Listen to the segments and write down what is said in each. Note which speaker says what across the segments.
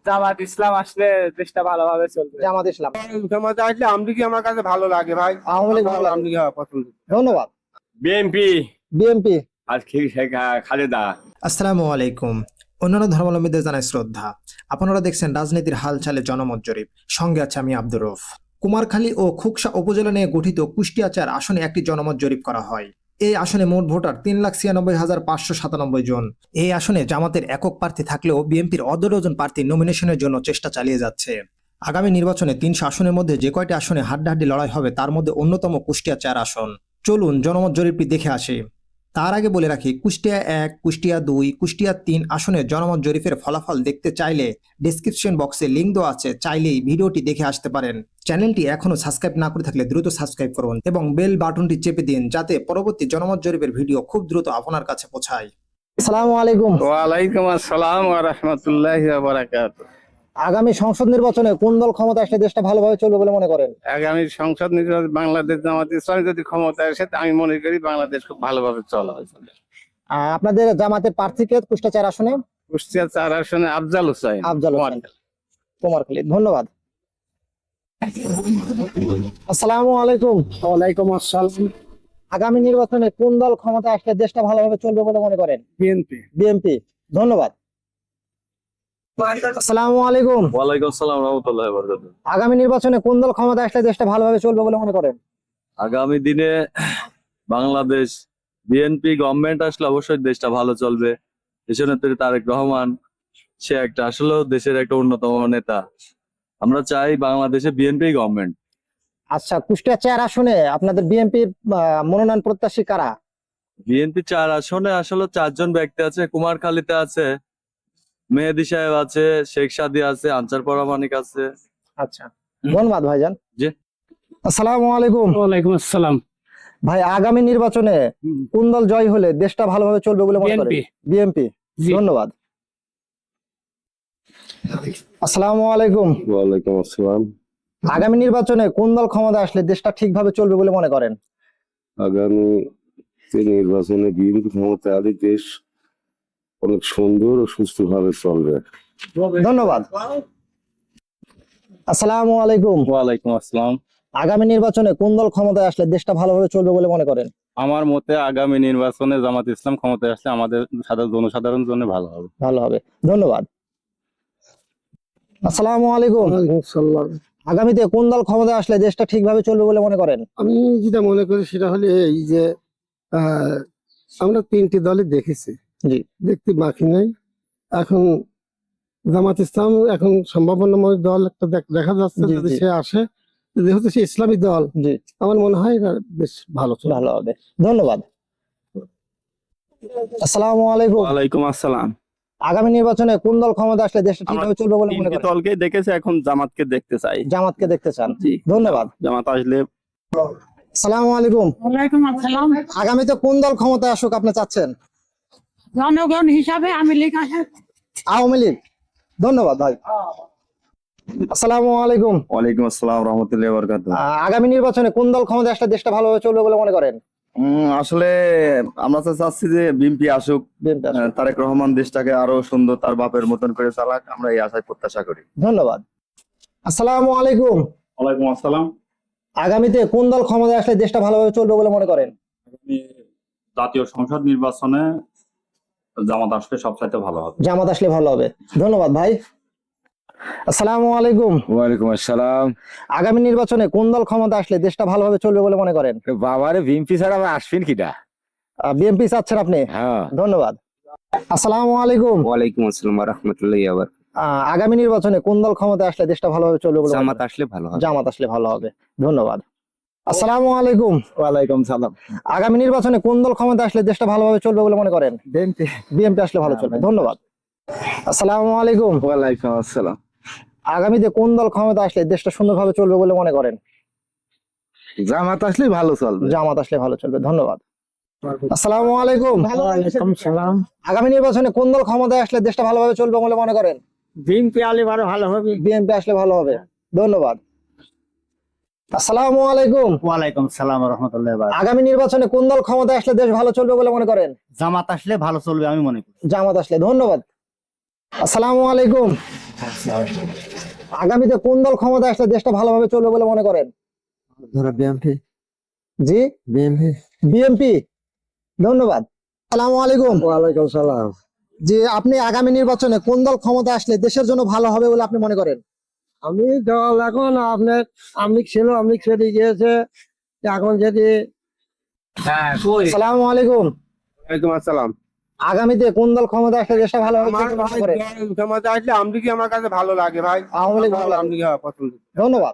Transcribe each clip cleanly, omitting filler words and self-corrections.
Speaker 1: জামাত ইসলাম আসলে দেশটা ভালোভাবে চলবে।
Speaker 2: জামাত ইসলাম।
Speaker 3: জামাতে আসলে আমলিগি আমার কাছে ভালো লাগে ভাই।
Speaker 2: আওয়ামী লীগ ভালো লাগে।
Speaker 3: আমলিগি পছন্দ।
Speaker 2: ধন্যবাদ।
Speaker 4: BNP
Speaker 2: BNP.
Speaker 4: আজকে খালেদা।
Speaker 5: আসসালামু আলাইকুম। অন্যান্য ধর্মাবলম্বীদের জানাই শ্রদ্ধা। আপনারা দেখছেন রাজনীতির হালচালে জনমত জরিপ। সঙ্গে আছে আমি আব্দুর রউফ। কুমারখালী ও খুকসা উপজেলা নিয়ে গঠিত কুষ্টিয়া ৪ আসনে একটি জনমত জরিপ করা হয়। এই আসনে মোট ভোটার ৩,৯৬,৫৯৭ জন। এই আসনে জামাতের একক প্রার্থী থাকলেও বিএনপির অর্ধডজন প্রার্থী নমিনেশনের জন্য চেষ্টা চালিয়ে যাচ্ছে। আগামী নির্বাচনে ৩০০ আসনের মধ্যে যে কয়টি আসনে হাড্ডাহাড্ডি লড়াই হবে তার মধ্যে অন্যতম কুষ্টিয়া ৪ আসন। চলুন জনমত জরিপটি দেখে আসি। তার আগে বলে রাখি, কুষ্টিয়া ১, কুষ্টিয়া ২, কুষ্টিয়া ৩ আসনের জনমত জরিপের ফলাফল দেখতে চাইলে ডেসক্রিপশন বক্সে লিঙ্ক দেওয়া আছে, চাইলেই ভিডিওটি দেখে আসতে পারেন। চ্যানেলটি এখনো সাবস্ক্রাইব না করে থাকলে দ্রুত সাবস্ক্রাইব করুন এবং বেল বাটনটি চেপে দিন যাতে পরবর্তী জনমত জরিপের ভিডিও খুব দ্রুত আপনার কাছে পৌঁছায়।
Speaker 2: আসসালামু আলাইকুম।
Speaker 4: ওয়ালাইকুম আসসালাম ওয়া রাহমাতুল্লাহি ওয়া বারাকাতুহু।
Speaker 2: আগামী সংসদ নির্বাচনে কোন দল ক্ষমতা আসলে দেশটা ভালোভাবে চলবে বলে মনে করেন?
Speaker 4: আগামী সংসদ নির্বাচন বাংলাদেশ জামাত ইসলামী যদি ক্ষমতায় আসে আমি মনে করি বাংলাদেশ খুব ভালোভাবে চলা হবে।
Speaker 2: আপনাদের জামাতের প্রার্থীকে কুষ্টিয়া ৪ আসনে?
Speaker 4: কুষ্টিয়া ৪ আসনে আফজাল হোসেন।
Speaker 2: আফজাল হোসেন, কুমারখালী। ধন্যবাদ। আসসালামু আলাইকুম।
Speaker 3: ওয়ালাইকুম আসসালাম।
Speaker 2: আগামী নির্বাচনে কোন দল ক্ষমতা আসলে দেশটা ভালোভাবে চলবে বলে মনে করেন?
Speaker 3: বিএনপি।
Speaker 2: বিএনপি। ধন্যবাদ। আসসালামু আলাইকুম।
Speaker 6: ওয়ালাইকুম আসসালাম রাহমাতুল্লাহি ওয়া বারাকাতুহু।
Speaker 2: আগামী নির্বাচনে কোন দল ক্ষমতা আসলে দেশটা ভালোভাবে চলবে বলে মনে করেন?
Speaker 6: আগামী দিনে বাংলাদেশ বিএনপি গভর্নমেন্ট আসলে অবশ্যই দেশটা ভালো চলবে। দেশনেত্রী তারেক রহমান সে একটা আসলে দেশের একটা অন্যতম নেতা। আমরা চাই বাংলাদেশে বিএনপি গভর্নমেন্ট।
Speaker 2: আচ্ছা, কুষ্টিয়া ৪ আসনে আপনাদের বিএনপির মনোনয়ন প্রত্যাশী কারা?
Speaker 6: বিএনপি ৪ আসনে আসলে ৪ জন ব্যক্তি আছে। কুমারখালীতে আছে মেহেদী সাহেব আছে, শেখ সাদী আছে, আনসার পরামানিক আছে।
Speaker 2: আচ্ছা, ধন্যবাদ ভাইজান।
Speaker 6: জি।
Speaker 2: আসসালামু আলাইকুম।
Speaker 3: ওয়ালাইকুম আসসালাম।
Speaker 2: ভাই, আগামী নির্বাচনে কোন দল জয় হলে দেশটা ভালোভাবে চলবে বলে মনে করেন? বিএনপি। ধন্যবাদ। আসসালামু আলাইকুম।
Speaker 7: ওয়ালাইকুম আসসালাম।
Speaker 2: আগামী নির্বাচনে কোন দল ক্ষমতা আসলে দেশটা ঠিকভাবে চলবে বলে মনে করেন?
Speaker 7: আগামী নির্বাচনে বিএনপি ক্ষমতায় আলী দেশ অনেক সুন্দর ও সুস্থভাবে চলবে।
Speaker 2: ধন্যবাদ। আসসালামু আলাইকুম।
Speaker 4: ওয়ালাইকুম আসসালাম।
Speaker 2: আগামী নির্বাচনে কোন দল ক্ষমতায় আসলে দেশটা ভালোভাবে চলবে বলে মনে করেন?
Speaker 4: আমার মতে আগামী নির্বাচনে জামাত ইসলাম ক্ষমতায় আসলে আমাদের জনসাধারণের জন্য ভালো হবে।
Speaker 2: ভালো হবে। ধন্যবাদ। আসসালামু আলাইকুম। আগামীতে কোন দল ক্ষমতায় আসলে দেশটা ঠিকভাবে চলবে বলে মনে করেন?
Speaker 3: আমি যেটা মনে করি সেটা হলো এই যে আমরা 3টি দলই দেখেছি,
Speaker 2: জি।
Speaker 3: দেখতে বাকি নাই। এখন জামাত ইসলাম এখন সম্ভাবনাময় দল একটা দেখা যাচ্ছে,
Speaker 2: জি,
Speaker 3: যদি
Speaker 2: জি।
Speaker 3: সে আসে, যেহেতু সে ইসলামী দল,
Speaker 2: জি,
Speaker 3: আমার মনে হয় এটা বেশ ভালো চলবে।
Speaker 2: ভালো হবে। ধন্যবাদ। আসসালামু আলাইকুম।
Speaker 4: ওয়ালাইকুম আসসালাম।
Speaker 2: আগামী নির্বাচনে কোন দল ক্ষমতা আসলে দেশটা ঠিকভাবে চলবে বলে মনে
Speaker 4: তিনটি
Speaker 2: করেন?
Speaker 4: দলকে দেখেছে, এখন জামাতকে দেখতে চাই।
Speaker 2: জামাতকে দেখতে চান?
Speaker 4: জি।
Speaker 2: ধন্যবাদ।
Speaker 4: জামাত আসলে।
Speaker 2: আসসালামু আলাইকুম।
Speaker 8: ওয়ালাইকুম আসসালাম।
Speaker 2: আগামীতে কোন দল ক্ষমতায় আসুক আপনি চাচ্ছেন?
Speaker 8: জনগণ হিসাবে আমি লীগ আসে।
Speaker 2: আওয়ামী লীগ। ধন্যবাদ ভাই। আসসালামু আলাইকুম।
Speaker 6: ওয়ালাইকুম আসসালাম রাহমাতুল্লাহি ওয়া বারাকাতুহু।
Speaker 2: আগামী নির্বাচনে কোন দল ক্ষমতায় আসলে দেশটা ভালোভাবে চলবে বলে মনে করেন?
Speaker 6: আসলে আমরা তো চাচ্ছি যে বিএনপি আসুক,
Speaker 2: বিএনপি আসুক।
Speaker 6: তারেক রহমান দেশটাকে আরো সুন্দর তার বাপের মতন করে চালাক, আমরা এই আশায় প্রত্যাশা করি।
Speaker 2: ধন্যবাদ। আসসালামু আলাইকুম।
Speaker 4: ওয়ালাইকুম আসসালাম।
Speaker 2: আগামীতে কোন দল ক্ষমতায় আসলে দেশটা ভালোভাবে চলবে বলে মনে করেন?
Speaker 4: জাতীয় সংসদ নির্বাচনে জামাত আসলে সবচাইতে ভালো হবে।
Speaker 2: জামাত আসলে ভালো হবে। ধন্যবাদ ভাই। আসসালামু আলাইকুম।
Speaker 6: ওয়ালাইকুম আসসালাম।
Speaker 2: আগামী নির্বাচনে কোন দল ক্ষমতা আসলে দেশটা ভালোভাবে চলবে বলে মনে করেন?
Speaker 6: বাবারে বিএনপি ছাড়া আবার আসবেন কিটা?
Speaker 2: বিএনপি চাচ্ছেন আপনি?
Speaker 6: হ্যাঁ।
Speaker 2: ধন্যবাদ। আসসালামু আলাইকুম।
Speaker 9: ওয়ালাইকুম আসসালাম ওয়া রাহমাতুল্লাহি ওয়া বারাকাতুহু।
Speaker 2: আগামী নির্বাচনে কোন দল ক্ষমতায় আসলে দেশটা ভালোভাবে চলবে বলে মনে
Speaker 9: জামাত
Speaker 2: করেন?
Speaker 9: আসলে ভালো হবে।
Speaker 2: জামাত আসলে ভালো হবে। ধন্যবাদ। আসসালামু আলাইকুম।
Speaker 6: ওয়ালাইকুম সালাম।
Speaker 2: আগামী নির্বাচনে কোন দল ক্ষমতায় আসলে দেশটা ভালোভাবে চলবে বলে মনে করেন?
Speaker 6: বিএনপি।
Speaker 2: বিএনপি আসলে ভালো চলবে। ধন্যবাদ। আসসালামু আলাইকুম।
Speaker 6: ওয়ালাইকুম আসসালাম।
Speaker 2: আগামীতে কোন দল ক্ষমতা আসলে দেশটা সুন্দরভাবে চলবে বলে মনে করেন?
Speaker 6: জামাত আসলে ভালো চলবে।
Speaker 2: জামাত আসলে ভালো চলবে। ধন্যবাদ। আসসালামু আলাইকুম।
Speaker 8: ওয়ালাইকুম সালাম।
Speaker 2: আগামী নির্বাচনে কোন দল ক্ষমতায় আসলে দেশটা ভালোভাবে চলবে বলে মনে করেন?
Speaker 8: বিএনপি আলে আরো ভালো হবে।
Speaker 2: বিএনপি আসলে ভালো হবে। ধন্যবাদ। আসসালামু আলাইকুম।
Speaker 1: ওয়ালাইকুম সালাম রহমতুল্লাহ।
Speaker 2: আগামী নির্বাচনে কোন দল ক্ষমতায় আসলে দেশ ভালো চলবে বলে মনে করেন?
Speaker 1: জামাত আসলে ভালো চলবে আমি মনে করি।
Speaker 2: জামাত আসলে। ধন্যবাদ। আসসালামু আলাইকুম। আগামীতে কোন দল ক্ষমতা আসলে দেশটা ভালোভাবে চলবে বলে মনে করেন?
Speaker 1: বিএনপি।
Speaker 2: জি,
Speaker 1: বিএনপি।
Speaker 2: বিএনপি। ধন্যবাদ। আসসালামু আলাইকুম।
Speaker 3: ওয়ালাইকুম সালাম।
Speaker 2: যে আপনি আগামী নির্বাচনে কোন দল ক্ষমতা আসলে দেশের জন্য ভালো হবে বলে আপনি মনে করেন?
Speaker 3: আমি দল এখন আপনার আমলিক ছিল, আমলিক ছেড়ে গিয়েছে, এখন যদি
Speaker 2: আসসালামু আলাইকুম।
Speaker 4: ওয়ালাইকুম আসসালাম।
Speaker 2: আগামীতে কোন দল ক্ষমতা আসলে দেশটা ভালোভাবে
Speaker 4: আমার
Speaker 2: চলবে বলে মনে
Speaker 4: ভাই
Speaker 2: করেন?
Speaker 4: ক্ষমতা আসলে আমলিকি আমার কাছে ভালো লাগে ভাই।
Speaker 2: আওয়ামী লীগ ভালো লাগে।
Speaker 4: আমলিকি পছন্দ।
Speaker 2: ধন্যবাদ।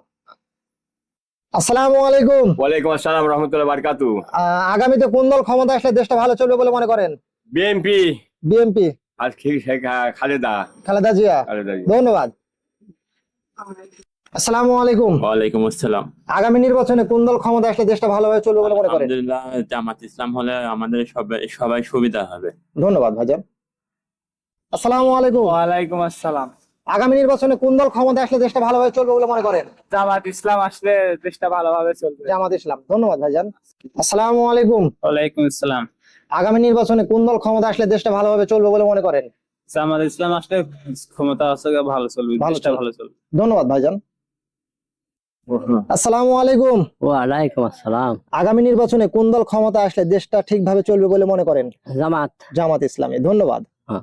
Speaker 2: আসসালামু আলাইকুম।
Speaker 9: ওয়ালাইকুম আসসালাম রহমতুল্লাহ বারকাতু।
Speaker 2: আগামীতে কোন দল ক্ষমতা আসলে দেশটা ভালো চলবে বলে মনে করেন?
Speaker 9: বিএনপি।
Speaker 2: বিএনপি।
Speaker 9: আর খালেদা।
Speaker 2: খালেদা জিয়া।
Speaker 9: খালেদা জি।
Speaker 2: ধন্যবাদ। আসসালামু আলাইকুম।
Speaker 9: ওয়ালাইকুম আসসালাম।
Speaker 2: আগামী নির্বাচনে কোন দল ক্ষমতা আসলে দেশটা ভালোভাবে চলবে বলে মনে করেন?
Speaker 9: আলহামদুলিল্লাহ জামাত ইসলাম হলে আমাদের সবাই সুবিধা হবে।
Speaker 2: ধন্যবাদ ভাইজান। আসসালামু আলাইকুম।
Speaker 1: ওয়ালাইকুম আসসালাম।
Speaker 2: আগামী নির্বাচনে কোন দল ক্ষমতা আসলে দেশটা ভালোভাবে চলবে বলে মনে করেন?
Speaker 1: জামাত ইসলাম আসলে দেশটা ভালোভাবে চলবে।
Speaker 2: জামাত ইসলাম। ধন্যবাদ ভাইজান। আসসালামু আলাইকুম।
Speaker 1: ওয়ালাইকুম আসসালাম।
Speaker 2: আগামী নির্বাচনে কোন দল ক্ষমতা আসলে দেশটা ভালোভাবে চলবে বলে মনে করেন?
Speaker 1: জামাত ইসলাম আসলে ক্ষমতা আসলে ভালো চলবে,
Speaker 2: ভালো
Speaker 1: দেশটা
Speaker 2: চলবে।
Speaker 1: ভালো চলবে।
Speaker 2: ধন্যবাদ ভাইজান। আসসালামু আলাইকুম।
Speaker 8: ওয়ালাইকুম আসসালাম।
Speaker 2: আগামী নির্বাচনে কোন দল ক্ষমতা আসলে দেশটা ঠিকভাবে চলবে বলে মনে করেন?
Speaker 8: জামাত।
Speaker 2: জামাত ইসলামী। ধন্যবাদ।
Speaker 8: হ্যাঁ।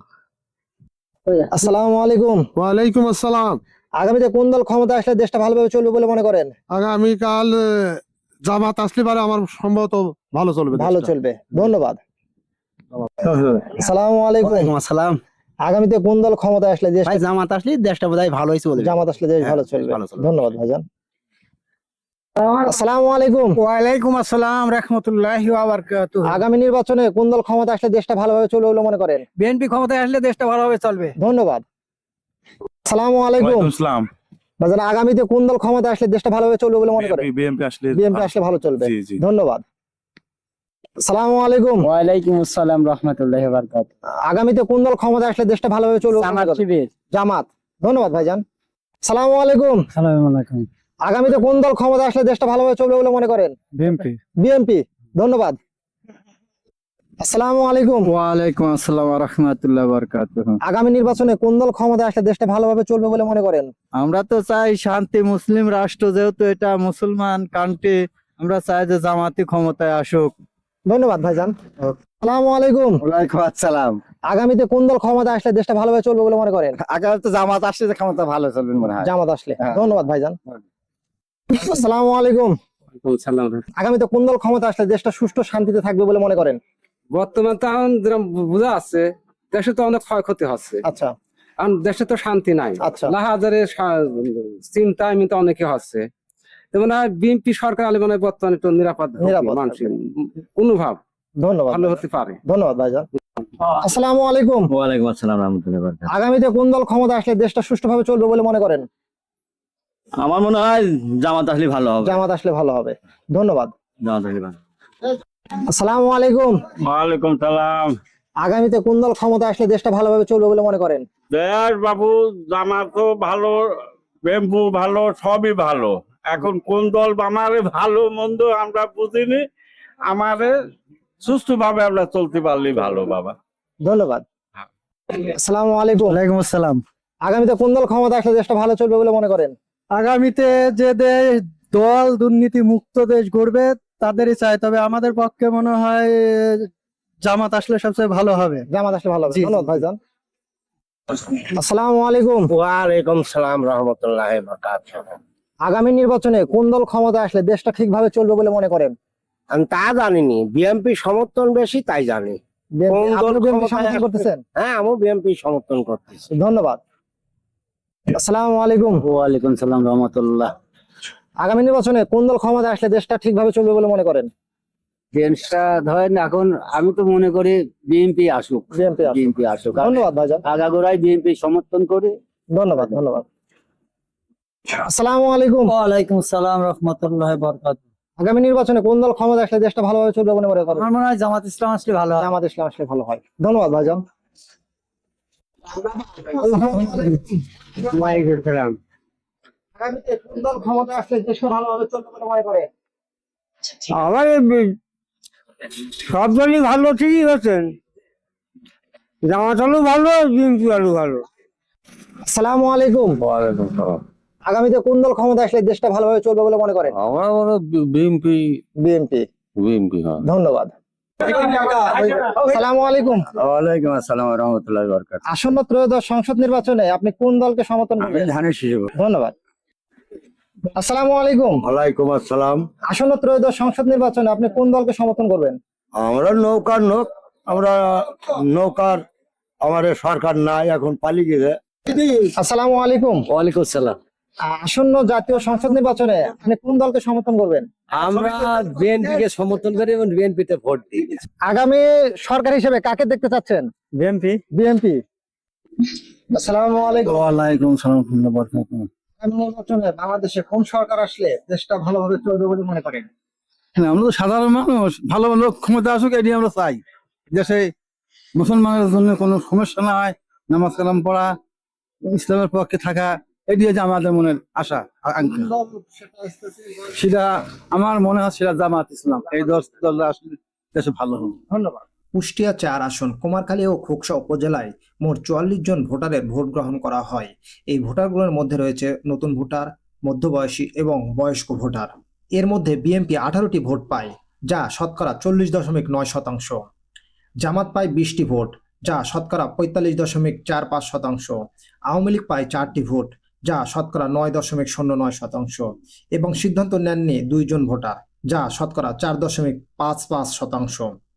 Speaker 2: আসসালামু আলাইকুম।
Speaker 3: ওয়ালাইকুম আসসালাম।
Speaker 2: আগামীতে কোন দল ক্ষমতা আসলে দেশটা ভালোভাবে চলবে বলে মনে করেন?
Speaker 3: আগামীকাল জামাত আসলে পারে আমার সম্ভবত ভালো চলবে।
Speaker 2: ভালো চলবে। ধন্যবাদ। আসসালামু আলাইকুম।
Speaker 1: আসসালাম।
Speaker 2: আগামীতে কোন দল ক্ষমতা আসলে দেশ
Speaker 1: ভাই জামাত আসলে দেশটা বোধহয় ভালোই চলবে।
Speaker 2: জামাত আসলে দেশ ভালো চলবে। ধন্যবাদ ভাইজান। আসসালামু আলাইকুম।
Speaker 1: ওয়ালাইকুম আসসালাম রাহমাতুল্লাহি ওয়া বারাকাতুহু।
Speaker 2: আগামী নির্বাচনে কোন দল ক্ষমতা আসলে দেশটা ভালোভাবে চলবে বলে মনে করেন?
Speaker 1: বিএনপি ক্ষমতায় আসলে দেশটা ভালোভাবে চলবে।
Speaker 2: ধন্যবাদ। আসসালামু আলাইকুম।
Speaker 6: ইসলাম।
Speaker 2: ভাইজান আগামীতে কোন দল ক্ষমতা আসলে দেশটা ভালোভাবে চলবে বলে মনে করেন?
Speaker 6: বিএনপি আসলে
Speaker 2: বিএনপি আসলে ভালো চলবে।
Speaker 6: জি, জি।
Speaker 2: ধন্যবাদ। আসসালামু আলাইকুম।
Speaker 1: ওয়ালাইকুম আসসালাম রাহমাতুল্লাহি ওয়া বারাকাতুহু।
Speaker 2: আগামীতে কোন দল ক্ষমতা আসলে দেশটা ভালোভাবে চলবে বলে মনে
Speaker 1: জামাত
Speaker 2: করেন?
Speaker 1: শিবির।
Speaker 2: জামাত। ধন্যবাদ ভাইজান। আসসালামু আলাইকুম।
Speaker 1: আসসালামু আলাইকুম।
Speaker 2: আগামীতে কোন দল ক্ষমতা আসলে দেশটা ভালোভাবে চলবে বলে মনে করেন?
Speaker 1: বিএনপি।
Speaker 2: বিএনপি। ধন্যবাদ। আসসালামু আলাইকুম।
Speaker 1: ওয়ালাইকুম আসসালাম ওয়া রাহমাতুল্লাহি ওয়া বারাকাতুহু।
Speaker 2: আগামী নির্বাচনে কোন দল ক্ষমতা আসলে দেশটা ভালোভাবে চলবে বলে মনে করেন?
Speaker 1: আমরা তো চাই শান্তি মুসলিম রাষ্ট্র, যেহেতু এটা মুসলমান কান্ট্রি, আমরা চাই যে জামাতি ক্ষমতায় আসুক।
Speaker 2: ধন্যবাদ ভাইজান। আসসালামু আলাইকুম।
Speaker 1: ওয়ালাইকুম আসসালাম।
Speaker 2: আগামীতে কোন দল ক্ষমতা আসলে দেশটা ভালোভাবে চলবে বলে মনে করেন?
Speaker 1: আগামী তো জামাত আসলে যে ক্ষমতা ভালো চলবে মনে হয়।
Speaker 2: জামাত আসলে।
Speaker 1: হ্যাঁ।
Speaker 2: ধন্যবাদ ভাইজান। আসসালামু আলাইকুম। আগামীতে কোন দল ক্ষমতা আসলে দেশটা সুষ্ঠু শান্তিতে থাকবে বলে মনে করেন?
Speaker 10: বর্তমান তো এখন যেরকম বোঝা আছে, দেশে তো অনেক ক্ষয়ক্ষতি হচ্ছে,
Speaker 2: আচ্ছা
Speaker 10: কারণ দেশে তো শান্তি নাই।
Speaker 2: আচ্ছা।
Speaker 10: লাহাজারের চিন্তা এমনিতে অনেকে হচ্ছে। যেমন বিএনপি সরকার আলে মানে বর্তমানে একটু নিরাপদ হবে,
Speaker 2: নিরাপদ
Speaker 10: মানসিক অনুভব
Speaker 2: ধন্যবাদ
Speaker 10: ভালো
Speaker 2: ভাইজান।
Speaker 10: হতে পারে।
Speaker 2: ধন্যবাদ ভাইজান। আসসালামু আলাইকুম।
Speaker 1: ওয়ালাইকুম আসসালাম রাহমাতুল্লাহি ওয়া বারাকাতুহু।
Speaker 2: আগামীতে কোন দল ক্ষমতা আসলে দেশটা সুষ্ঠুভাবে চলবে বলে মনে করেন?
Speaker 1: আমার মনে হয় জামাত আসলে ভালো হবে।
Speaker 2: জামাত আসলে ভালো হবে। ধন্যবাদ।
Speaker 1: জামাত আসলে ভালো।
Speaker 2: আসসালামু আলাইকুম।
Speaker 4: ওয়ালাইকুম সালাম।
Speaker 2: আগামীতে কোন দল ক্ষমতা আসলে দেশটা ভালোভাবে চলবে বলে মনে করেন?
Speaker 4: দেশ বাবু জামাতও ভালো, বেম্বু ভালো, সবই ভালো। এখন কোন দল আমারে ভালো মন্দ আমরা বুঝিনি, আমারে সুষ্ঠুভাবে আমরা চলতে পারলেই ভালো বাবা।
Speaker 2: ধন্যবাদ। আসসালামু আলাইকুম।
Speaker 1: ওয়ালাইকুম আসসালাম।
Speaker 2: আগামীতে কোন দল ক্ষমতা আসলে দেশটা ভালো চলবে বলে মনে করেন?
Speaker 1: আগামীতে যে দেশ দল দুর্নীতি মুক্ত দেশ গড়বে তাদেরই চাই, তবে আমাদের পক্ষে মনে হয় জামাত আসলে সবচেয়ে ভালো হবে।
Speaker 2: জামাত আসলে ভালো হবে।
Speaker 1: জি, জি,
Speaker 2: ধন্যবাদ ভাইজান। আসসালামু আলাইকুম।
Speaker 3: ওয়ালাইকুম সালাম রহমতুল্লাহি ওয়া বারাকাতুহু।
Speaker 2: আগামী নির্বাচনে কোন দল ক্ষমতা আসলে দেশটা ঠিকভাবে চলবে বলে মনে করেন?
Speaker 3: আমি তা জানিনি, বিএনপি সমর্থন বেশি তাই জানি। কোন দল
Speaker 2: আপনি বিএনপি
Speaker 3: ক্ষমতায়
Speaker 2: সমর্থন
Speaker 3: আসবে?
Speaker 2: করতেছেন?
Speaker 3: হ্যাঁ, আমি বিএনপি সমর্থন করতেছি।
Speaker 2: ধন্যবাদ। আসসালামু আলাইকুম।
Speaker 1: ওয়ালাইকুম সালাম রাহমাতুল্লাহ।
Speaker 2: আগামী নির্বাচনে কোন দল ক্ষমতা আসলে দেশটা ঠিকভাবে চলবে বলে মনে করেন?
Speaker 8: দেশটা ধরেন এখন আমি তো মনে করি বিএনপি আসুক।
Speaker 2: বিএনপি।
Speaker 8: বিএনপি আসুক।
Speaker 2: ধন্যবাদ ভাইজান।
Speaker 8: আগাগোড়াই বিএনপি সমর্থন করে।
Speaker 2: ধন্যবাদ ধন্যবাদ। আসসালামু আলাইকুম।
Speaker 1: ওয়ালাইকুম আসসালাম রাহমাতুল্লাহি ওয়া বারাকাতুহু।
Speaker 2: আগামী নির্বাচনে কোন দল ক্ষমতা আসলে দেশটা ভালোভাবে চলবে বলে মনে করেন?
Speaker 1: আমার মনে হয় জামাত ইসলাম আসলে ভালো হয়।
Speaker 2: জামাত ইসলাম আসলে ভালো হয়। ধন্যবাদ ভাইজান। আগামীতে কোন দল ক্ষমতা আসলে দেশটা ভালোভাবে চলবে বলে মনে করেন?
Speaker 3: আমার সব দলই ভালো, ঠিকই হচ্ছেন। জামাত আলু ভালো, বিএনপি আলু ভালো।
Speaker 2: আসসালামু আলাইকুম।
Speaker 7: ওয়ালাইকুম সালাম।
Speaker 2: আগামীতে কোন দল ক্ষমতা আসলে দেশটা ভালোভাবে চলবে বলে মনে করেন?
Speaker 7: আমার মনে বিএনপি
Speaker 2: বিএনপি।
Speaker 7: বিএনপি হ্যাঁ।
Speaker 2: ধন্যবাদ। আসসালামু আলাইকুম।
Speaker 8: ওয়ালাইকুম আসসালাম রহমতুল্লাহ বরকাত।
Speaker 2: আসন্ন ত্রয়োদশ সংসদ নির্বাচনে আপনি কোন দলকে সমর্থন করবেন?
Speaker 8: ধানের শিশু।
Speaker 2: ধন্যবাদ। আসসালামু আলাইকুম।
Speaker 7: ওয়ালাইকুম আসসালাম।
Speaker 2: আসন্ন ত্রয়োদশ সংসদ নির্বাচনে আপনি কোন দলকে সমর্থন করবেন?
Speaker 7: আমরা নৌকার লোক, আমরা নৌকার আমাদের সরকার নাই, এখন পালিয়ে গেছে।
Speaker 2: আসসালামু আলাইকুম।
Speaker 8: ওয়ালাইকুম সালাম।
Speaker 2: আসন্ন জাতীয় সংসদ নির্বাচনে আপনি কোন দলকে সমর্থন করবেন?
Speaker 8: আমরা বিএনপি কে সমর্থন করি এবং বিএনপি তে ভোট দিই।
Speaker 2: আগামী সরকার হিসেবে কাকে দেখতে চাচ্ছেন?
Speaker 8: বিএনপি।
Speaker 2: বিএনপি। আসসালামু আলাইকুম।
Speaker 1: ওয়ালাইকুম সালাম।
Speaker 2: আগামী নির্বাচনে বাংলাদেশে কোন সরকার আসলে দেশটা ভালোভাবে চলবে বলে মনে করেন?
Speaker 1: আমরা তো সাধারণ মানুষ, ভালো লোক ক্ষমতা আসুক, এটি আমরা চাই। দেশে মুসলমানের জন্য কোনো সমস্যা না হয়, নামাজ কালাম পড়া, ইসলামের পক্ষে থাকা, এটি হচ্ছে আমাদের মনের আশা আকাঙ্ক্ষা। সেটা আমার মনে হয় সেটা জামাত ইসলাম, এই দল আসলে দেশে ভালো হবে।
Speaker 2: ধন্যবাদ।
Speaker 5: কুষ্টিয়া 4 আসন কুমারখালী ও খোকসা উপজেলায় মোট 44 জন ভোটারের ভোট গ্রহণ করা হয়। এই ভোটারগুলোর মধ্যে রয়েছে নতুন ভোটার, মধ্যবয়সী এবং বয়স্ক ভোটার। এর মধ্যে বিএনপি 18টি ভোট পায়, যা শতকরা 40.9%। জামাত পায় 20টি ভোট, যা শতকরা 45.45%। আওয়ামী লীগ পায় 4টি ভোট, যা শতকরা 9.09%। এবং সিদ্ধান্ত নেননি 2 জন ভোটার, যা শতকরা 4.55%।